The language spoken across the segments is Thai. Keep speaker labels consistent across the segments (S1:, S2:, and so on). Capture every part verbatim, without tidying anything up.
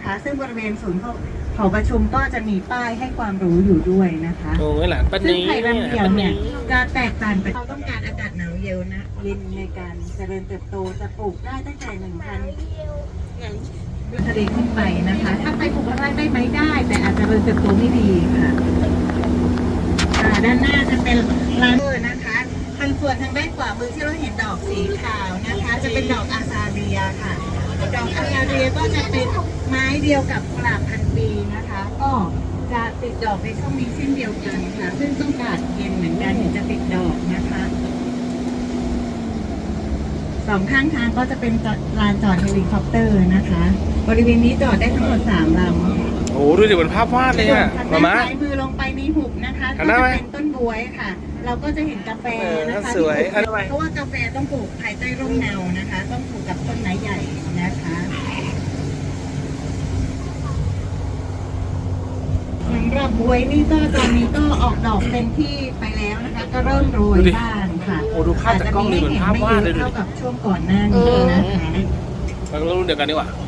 S1: นะคะซึ่งบริเวณศูนย์หอประชุมก็จะมีป้ายให้ความรู้อยู่ด้วยนะคะ
S2: โอ้ยหลานป้า
S1: ซึ่ง
S2: นี้
S1: ไผ่ลำเขียวเนี่ยจะแตกต่างไปเราต้องการอากาศหนาวเย็นนะเย็นในการเจริญเติบโตจะปลูกได้ตั้งแต่หนึ่งพันทะเลขึ้นไปนะคะถ้าไปปลูกข้างล่างได้ไหมได้แต่อาจจะเจริญเติบโตไม่ดีค่ะด้านหน้าจะเป็นร้านเบอร์นะคะทางส่วนทางด้านขวามือที่เราเห็นดอกสีขาวนะคะจะเป็นดอกอาซาเรียค่ะดอกอาซาเรียก็จะเป็นไม้เดียวกับกุหลาบพันปีนะคะก็จะติดดอกในช่วงนี้เช่นเดียวกันค่ะซึ่งต้องการเย็นเหมือนกันถึงจะติดดอกนะคะสองข้างทางก็จะเป็นลานจอดเฮลิคอปเตอร์นะคะบริเวณนี้จอดได้ทั้งหมดสามลำ
S2: โอ้ดูดิเหมือนภาพวาดเลยอ่ะมาม่า
S1: ซ้ายมือลงไปในหุบนะคะก็จะเป็นต้นบวยค่ะเราก็จะเห็นกาแฟนะคะสวยเพราะว่ากาแฟต้องปลูกภายใต้ร่มเงานะคะต้องปลูกกับต้นไม้ใหญ่นะคะสำหรับบวยนี่ก็ตอนนี้ก็ออกดอกเต็มที่ไปแล้วนะคะก็เริ่มโรยบ้างค่ะ
S2: โอ้ดูภาพจากกล้องนี่เหมือนภาพวาดเลยดู
S1: เท่ากับช่วงก่อนหน้านี้นะคะ
S2: เรารุ่นเดียวกันดีกว่า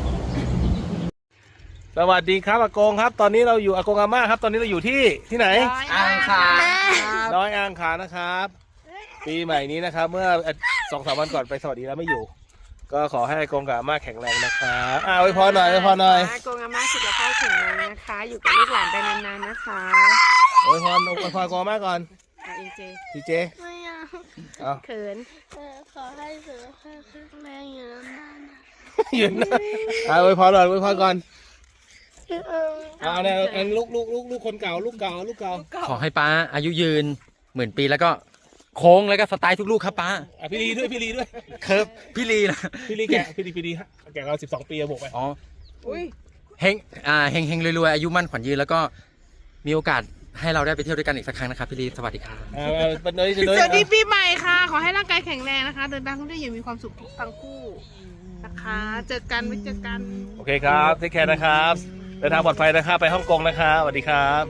S2: สวัสดีครับอากงครับตอนนี้เราอยู่อากงอาม่าครับตอนนี้เราอยู่ที่ที่ไหน
S3: อ่างขาง
S2: น้อยอ่างขางนะครับปีใหม่นี้นะครับเมื่อสองสามวันก่อนไปสวัสดีแล้วไม่อยู่ก็ขอให้อากงกับอาม่าแข็งแรงนะครับอ่าไว้พอหน่อยไว้พอหน่อย
S3: อากงอาม่าสุขภาพแข็งแรงนะคะอยู่กับลูกหลานไปนานๆนะคะ
S2: ไว้พรไว้พรอากงอาม่าก่อน
S3: เอ็นเจ
S2: ทีเจ
S4: ไม่เอา
S2: เอา
S3: เขิน
S4: ขอให้สุขภาพแข็งแรงอยู่นานๆนะ
S2: ยืนนะอ่าไว้พรก่อนไว้พรก่อน
S4: เออ
S2: เอาเนี่ยอันลูกลูกลูกลูกคนเก่าลูกเก่าลูกเก่า
S5: ขอให้ป้าอายุยืนหมื่นปีแล้วก็โค้งแล้วก็สไตล์ทุกลูกครับป้า
S2: อ่ะพี่ลีด้วยพี่ลีด้วย
S5: เคิร์ฟพี่ลีนะ
S2: พี่ลีแกะพี่ลีพี่ลีฮะแกะเราสิบสองปีบวกไป
S5: อ๋อ
S3: อุ้ย
S5: เฮงอ่าเฮงเฮงรวยๆอายุมั่นขวัญยืนแล้วก็มีโอกาสให้เราได้ไปเที่ยวด้วยกันอีกสักครั้งนะครับพี่ลีสวัสดีครับ
S2: อ่าเป็นเลยเป็นเลย
S3: สวัสดีปีใหม่ค่ะขอให้ร่างกายแข็งแรงนะคะเดินทางท่องเที่ยวอย่างมีความสุขทุกทั้งคู่นะคะเจอกันไว้เจอกัน
S2: โอเคครับเทคแคร์นะครับเดินทางปลอดภัยนะครับไปฮ่องกงนะครับสวัสดีครับ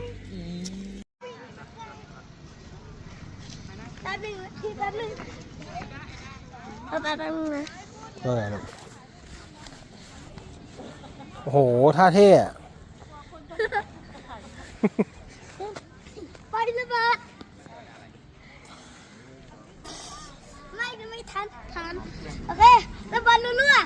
S4: แป๊บนึงพี่แป๊บนึงเอาแป๊บนึงนะ
S2: ว่าไงลูกโอ้โหท่าเท่อะ
S4: ไประเบิดไม่ไม่ทันทันโอเคระเบิดเรื่อย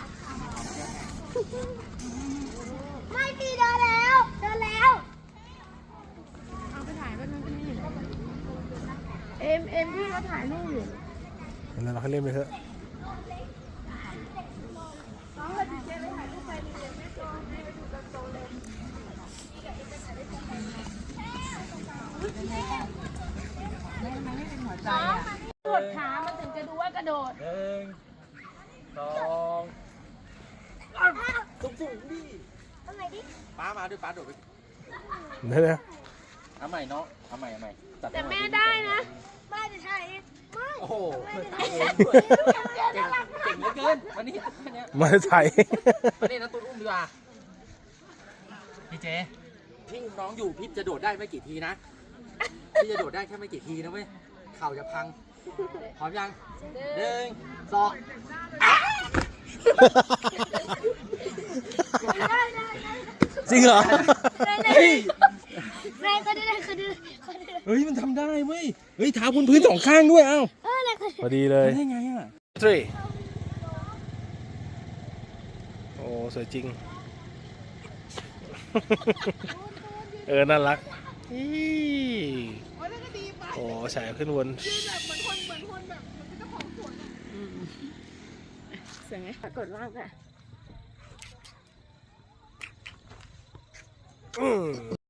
S4: ๆไม่ดีเดินแล้วเดินแล้ว
S3: เอาไปถ่ายกันมันนี่เอ็มเอ็มพี่เขาถ่ายรูปอยู่
S2: แล้วเราให้เล่นไปเถอะ
S3: กดขามันถึงจะดูว่ากระโดด
S2: หนึ่งสองตุ้มตุ้มดิ
S4: ทำไมดิ
S5: ป้ามาด้วยป้าโดดไป
S2: เดี๋ยว
S5: เอาใหม่เนาะเอาใหม่เอาใหม่
S3: แต่แม่ได้นะ
S4: ไม่จะใช่ไม่
S5: โอ้โหเก่งเก่งเหลือเกินวันนี้เนี้ย
S2: มาใส่
S5: วันนี้นะตูนอุ้มดีกว่าพี่เจพี่น้องอยู่พี่จะโดดได้ไม่กี่ทีนะพี่จะโดดได้แค่ไม่กี่ทีนะเว้ยเข่าจะพังพร้อมยังหนึ่งสอง
S2: จริงเหรอ
S4: เฮ้ยแรงก็ได้ก็ได้
S2: เฮ้ยมันทำได้เว้ยเฮ้ยเท้าบนพื้นสองข้างด้วยเอ้าพอดีเลย
S5: ได้ไงอ่ะ
S2: ทรีโอ้สวยจริงเออน่ารักโอ้ฉายขึ้นวน
S3: เสียงไงกดว่างอ่ะ